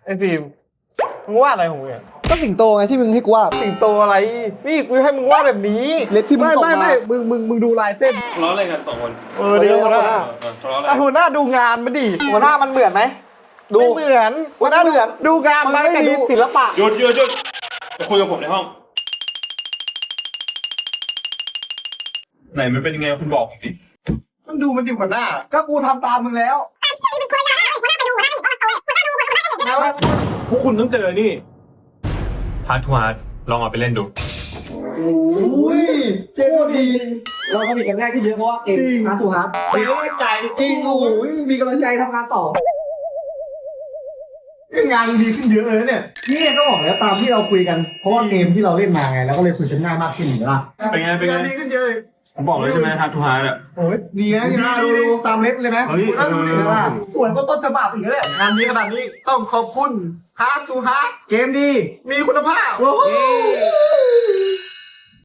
ไอ้ฟิล์มมึงวาดอะไรของมึงอะก็สิงโตไงที่มึงให้กูวาดสิงโตอะไรนี่กูให้มึงวาดแบบนี้เล็บที่มึงไม่ส่งไม่มาไม่มึงดูลายเส้นทะเลาะอะไรกันสองคนเดี๋ยวหัวหน้าทะเลาะอะไรหัวหน้าดูงานมาดิหัวหน้ามันเหมือนไหมดูไม่เหมือนหัวหน้ามันเหมือนดูงานมันมาไม่แต่มีดูศิลปะหยุดจะคุยกับผมในห้อง ไหนมันเป็นยังไงคุณบอกผมดิมันดูมันดีหัวหน้าก็กูทำตามมึงแล้วพวกคุณต้องเจอนี่ฮาร์ดทูฮาร์ดลองเอาไปเล่นดูอุ้ยเจ๋งดี เราสนิทกันง่ายขึ้นเยอะเพราะว่าเก่งฮาร์ดทูฮาร์ดมีกำลังใจจริงโอ้ยมีกำลังใจทำงานต่องานดีขึ้นเยอะเลยเนี่ยนี่ก็บอกแล้วตามที่เราคุยกันเพราะว่าเกมที่เราเล่นมาไงแล้วก็เลยคุยกันง่ายมากขึ้นเห็นไหมล่ะเป็นไงงานดีขึ้นเยอะเลยผมบอกเลยใช่ไหมฮาร์ดทูฮาร์ดอ่ะโอ้ยดีนะที่มาดูตามเล็บเลยไหมเฮ้ยหัวหน้าดูดิสวยกว่าต้นฉบับอีกเลยงานดีขนาดนี้ต้องขอบคุณ Hard to Hard เกมดีมีคุณภาพโอ้โห